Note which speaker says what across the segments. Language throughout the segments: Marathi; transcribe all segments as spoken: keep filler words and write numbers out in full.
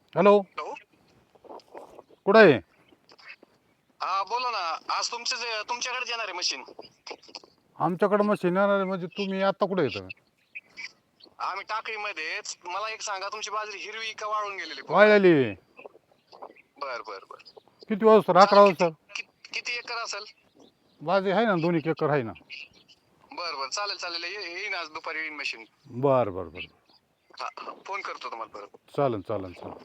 Speaker 1: हॅलो.
Speaker 2: हॅलो.
Speaker 1: कुठं आहे?
Speaker 2: हा बोला ना. आज तुमचे जे तुमच्याकडे येणार आहे मशीन.
Speaker 1: आमच्याकडे मशीन येणार आहे म्हणजे तुम्ही आता कुठे येतं?
Speaker 2: आम्ही टाकळीमध्येच. मला एक सांगा, तुमची बाजरी हिरवी का वाळून गेलेली पूर्ण?
Speaker 1: वाळलेली.
Speaker 2: बर बर बर.
Speaker 1: किती वाजता? अकरा
Speaker 2: चालेल. किती
Speaker 1: वाजता.
Speaker 2: किती किती एकर असेल?
Speaker 1: बाजी आहे ना, दोन्ही एकर आहे ना.
Speaker 2: बर बर चालेल चालेल. ये- येईन आज दुपारी येईन मशीन.
Speaker 1: बरं बरं बरं.
Speaker 2: हा हा. फोन करतो तुम्हाला परत.
Speaker 1: चालेल चालेल चालेल.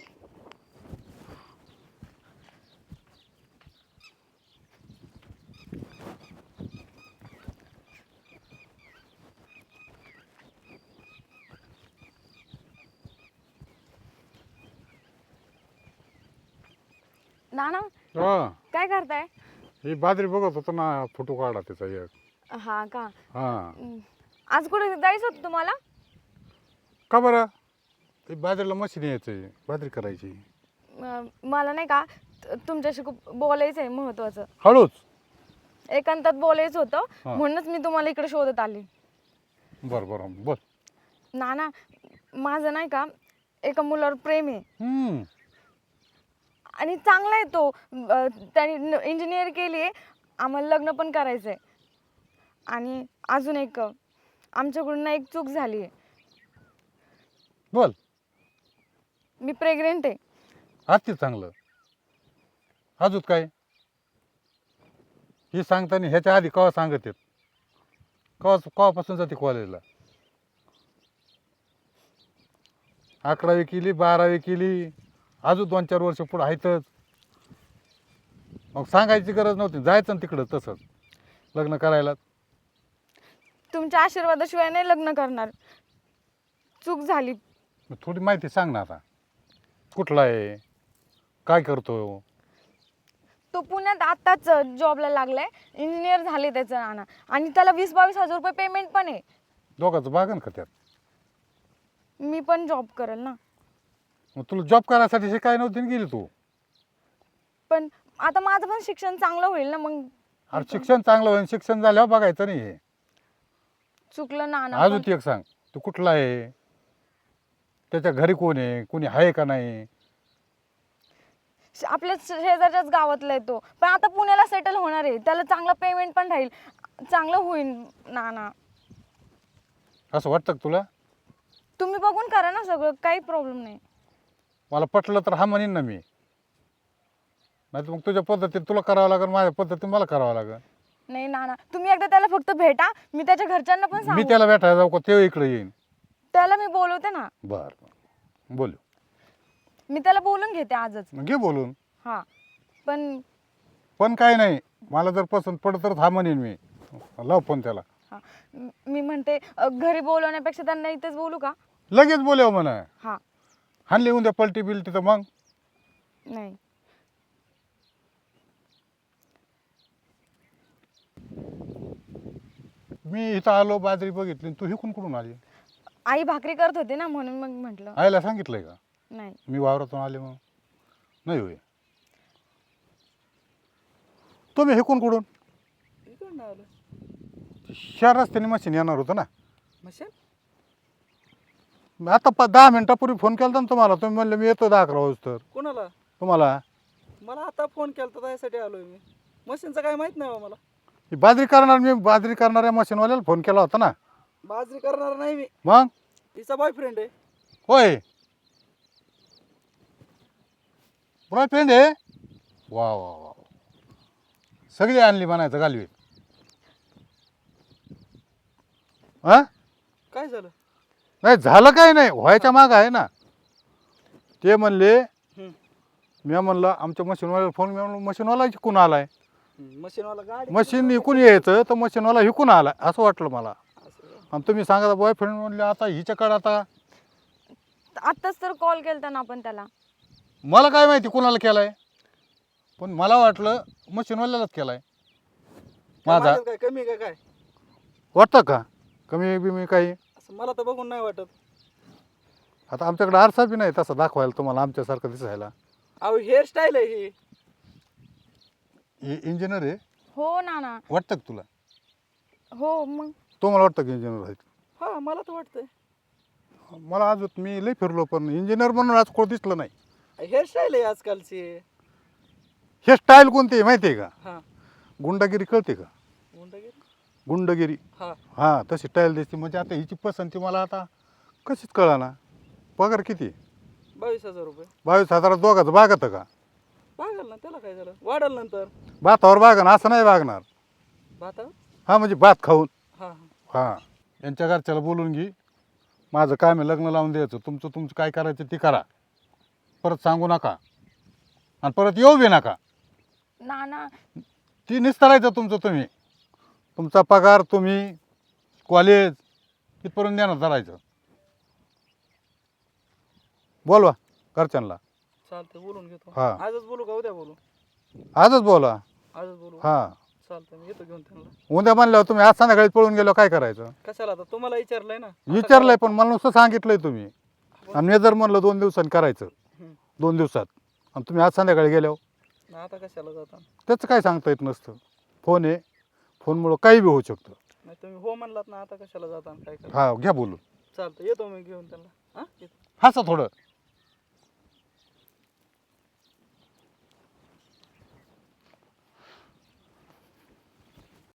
Speaker 3: नाना
Speaker 1: हा,
Speaker 3: काय करताय?
Speaker 1: ही बाजरी बघत होतो ना, फोटो काढा त्याचा एक.
Speaker 3: हा का?
Speaker 1: हा.
Speaker 3: हम्म. आज कुठे जायचं होतं तुम्हाला?
Speaker 1: का बरं? ही बाजरीला मशीन यायचं, बाजरी करायची.
Speaker 3: अं, मला नाही का त- तुमच्याशी खूप बोलायचं आहे महत्वाचं.
Speaker 1: हळूच.
Speaker 3: एकांतात बोलायचं होतं
Speaker 1: हा.
Speaker 3: म्हणूनच मी तुम्हाला इकडे शोधत आली.
Speaker 1: बरं बरं बोल.
Speaker 3: नाना, माझं नाही का एका मुलावर प्रेम आहे
Speaker 1: हम्म.
Speaker 3: आणि चांगला आहे तो. अं, त्याने इंजिनियर केली आहे. आम्हाला लग्न पण करायचं आहे. आणि अजून एक आमच्याकडून ना एक चूक झाली आहे.
Speaker 1: बोल.
Speaker 3: मी प्रेग्नेंट आहे.
Speaker 1: अति चांगलं. अजून काय? ही सांगताना ह्याच्या आधी केव्हा सांगत येत? केव्हा केव्हापासून जाते कॉलेजला? अकरावी केली, बारावी केली, अजून दोन चार वर्ष पुढे आहेतच. मग सांगायची गरज नव्हती, जायचं ना तिकडं तसंच लग्न करायला.
Speaker 3: तुमच्या आशीर्वादाशिवाय नाही लग्न करणार. चूक झाली.
Speaker 1: मग थोडी माहिती सांग ना आता. कुठला आहे, काय करतो?
Speaker 3: तो पुण्यात आत्ताच जॉबला लागलाय. इंजिनियर झाले त्याचं नाना. आणि त्याला वीस बावीस हजार रुपये पेमेंट पण आहे.
Speaker 1: दोघांचं बागन का त्यात?
Speaker 3: मी पण जॉब करेल ना.
Speaker 1: मग तुला जॉब करायसाठी शिकाय नव्हती ना गेली तू?
Speaker 3: पण आता माझं पण शिक्षण चांगलं होईल ना मग.
Speaker 1: अरे शिक्षण चांगलं होईल, शिक्षण झाल्यावर बघायचं नाही हे.
Speaker 3: चुकलं नाना.
Speaker 1: अजून
Speaker 3: पण
Speaker 1: ती एक सांग, तू कुठला आहे, त्याच्या घरी कोण आहे, कोणी आहे का नाही?
Speaker 3: आपल्या शेजारच्याच गावातला आहे तो. पण आता पुण्याला सेटल होणार आहे. त्याला चांगला पेमेंट पण राहील. चांगलं होईल नाना.
Speaker 1: असं वाटतं का तुला?
Speaker 3: तुम्ही बघून करा ना सगळं, काही प्रॉब्लेम नाही.
Speaker 1: मला पटलं तर हा म्हणेन ना मी. नाही तर मग तुझ्या पद्धतीने तुला करावं लागेल, माझ्या पद्धतीने मला करावं लागेल.
Speaker 3: नाही नाना, तुम्ही एकदा त्याला फक्त भेटा. मी त्याच्या घरच्यांना पण
Speaker 1: मी
Speaker 3: सांगू.
Speaker 1: त्याला भेटायला जाऊ का ते इकडे येईन?
Speaker 3: त्याला मी बोलवते ना.
Speaker 1: बरं बोलू.
Speaker 3: मी त्याला बोलून घेते आजच.
Speaker 1: मग घे बोलून.
Speaker 3: हा. पण
Speaker 1: पण काय नाही, मला जर पसंत पडत तर हा म्हणेन मी. लाव फोन त्याला.
Speaker 3: हा, म- मी म्हणते अ, घरी बोलवण्यापेक्षा त्यांना इथेच बोलू का?
Speaker 1: लगेच बोलव म्हणा.
Speaker 3: हा.
Speaker 1: हाणली उद्या पलटी बिलटी तर मग
Speaker 3: नाही.
Speaker 1: मी इथं आलो, बाजरी बघितली, तू हिकून कुठून आली?
Speaker 3: आई भाकरी करत होती ना, म्हणून मग म्हटलं.
Speaker 1: आईला सांगितलंय का
Speaker 3: नाही.
Speaker 1: मी वावरातून आले? मग नाही होय. तुम्ही हिकून कुठून?
Speaker 4: इकडून आलो.
Speaker 1: ह्या रस्त्याने मशीन येणार होतं ना.
Speaker 4: मशीन
Speaker 1: मी आता पा दहा मिनिटापूर्वी फोन केला ना तुम्हाला, तुम्ही म्हणले मी येतो दहा अकरा वाजता.
Speaker 4: कोणाला?
Speaker 1: तुम्हाला
Speaker 4: मला आता फोन केला तर त्यासाठी आलोय मी. मशीनचं काय माहित नाही बा मला.
Speaker 1: ही बाजरी करणार, मी बाजरी करणाऱ्या मशीनवाल्याला फोन केला होता ना.
Speaker 4: बाजरी करणार नाही मी.
Speaker 1: मग
Speaker 4: तिचा बॉयफ्रेंड आहे.
Speaker 1: होय, बॉयफ्रेंड आहे. वा वा वा, सगळी आणली म्हणायचं गालवी. हा,
Speaker 4: काय झालं?
Speaker 1: नाही झालं काय नाही, व्हायच्या माग आहे ना. ते म्हणले,
Speaker 4: हम्म.
Speaker 1: मी म्हणलं आमच्या मशीनवाल्याला फोन, मी म्हणलं मशीनवाला इकून आलाय.
Speaker 4: मशीनवाला गाडी
Speaker 1: मशीन इकून यायचं तर मशीनवाला इकून आलाय असं वाटलं मला.
Speaker 4: असं का?
Speaker 1: आणि तुम्ही सांगा बॉयफ्रेंड म्हणले, आता हिच्याकडे आता
Speaker 3: आत्ताच तर कॉल केलता ना आपण त्याला.
Speaker 1: मला काय माहिती कोणाला केलाय, पण मला वाटलं मशीनवाल्यालाच केलाय.
Speaker 4: काय
Speaker 1: माझा
Speaker 4: माझ्यात काय कमी आहे का काय?
Speaker 1: वाटतं का कमी बिमी काही?
Speaker 4: असं मला तर बघून नाही वाटत.
Speaker 1: आता आमच्याकडे आरसा बी नाही तसा दाखवायला तुम्हाला आमच्यासारखं दिसायला.
Speaker 4: अहो हेअरस्टाईल आहे ही.
Speaker 1: हे इंजिनियर आहे
Speaker 3: हो नाना.
Speaker 1: वाटतं का तुला?
Speaker 3: हो मग.
Speaker 1: तुम्हाला वाटतं की इंजिनियर आहेत?
Speaker 4: हा मला तर वाटतंय.
Speaker 1: मला अजून मी लई फिरलो पण इंजिनियर म्हणून आज कोण दिसलं नाही.
Speaker 4: हेअरस्टाईल आहे आजकालची.
Speaker 1: हे स्टाईल कोणती आहे माहिती आहे का?
Speaker 4: हा
Speaker 1: गुंडगिरी कळते का?
Speaker 4: गुंडगिरी.
Speaker 1: गुंडगिरी
Speaker 4: हा
Speaker 1: हां तशी स्टाईल दिसते. म्हणजे आता हिची पसंती मला आता कशीच कळा ना. पगार किती?
Speaker 4: बावीस हजार रुपये.
Speaker 1: बावीस हजारात दोघाचं बागतं का?
Speaker 4: बागल ना, त्याला काय झालं, वाढल नंतर.
Speaker 1: भातावर बागन असं नाही बागणार.
Speaker 4: भाता.
Speaker 1: हां म्हणजे भात खाऊन.
Speaker 4: हा हा
Speaker 1: हां यांच्या घरच्याला बोलून घे. माझं काम आहे लग्न लावून द्यायचं. तुमचं तुमचं काय करायचं ते करा. परत सांगू नका आणि परत येऊ बी नका.
Speaker 3: नाना
Speaker 1: ती निस्तरायचं तुमचं तुम्ही. तुमचा पगार तुम्ही कॉलेज तिथपर्यंत देणार धरायचं. बोलवा घरच्यांना.
Speaker 4: चालतंय, बोलून घेतो.
Speaker 1: हा.
Speaker 4: आजच बोलू का उद्या बोलू?
Speaker 1: आजच बोला.
Speaker 4: आजच बोलू.
Speaker 1: हां
Speaker 4: चालतंय, मी येतो घेऊन त्यांना.
Speaker 1: उद्या म्हणल्यावर तुम्ही आज संध्याकाळी पळून गेलो काय करायचं?
Speaker 4: कशाला आता, तुम्हाला विचारलंय ना. आता
Speaker 1: विचारलंय पण मला नुसतं सांगितलंय तुम्ही. आणि मी जर म्हणलं दोन दिवसांनी करायचं
Speaker 4: हम्म.
Speaker 1: दोन दिवसात आणि तुम्ही आज संध्याकाळी गेल्यावर
Speaker 4: ना आता कशाला जाता?
Speaker 1: त्याचं काय सांगता येत नसतं. फोन आहे, फोनमुळं काही बी होऊ शकतं.
Speaker 4: नाही तुम्ही हो म्हणलात ना, आता कशाला जाता आणि काय करा.
Speaker 1: हा घ्या बोलून.
Speaker 4: चालतं, येतो मी घेऊन त्यांना. हा येतो.
Speaker 1: हसा थोडं.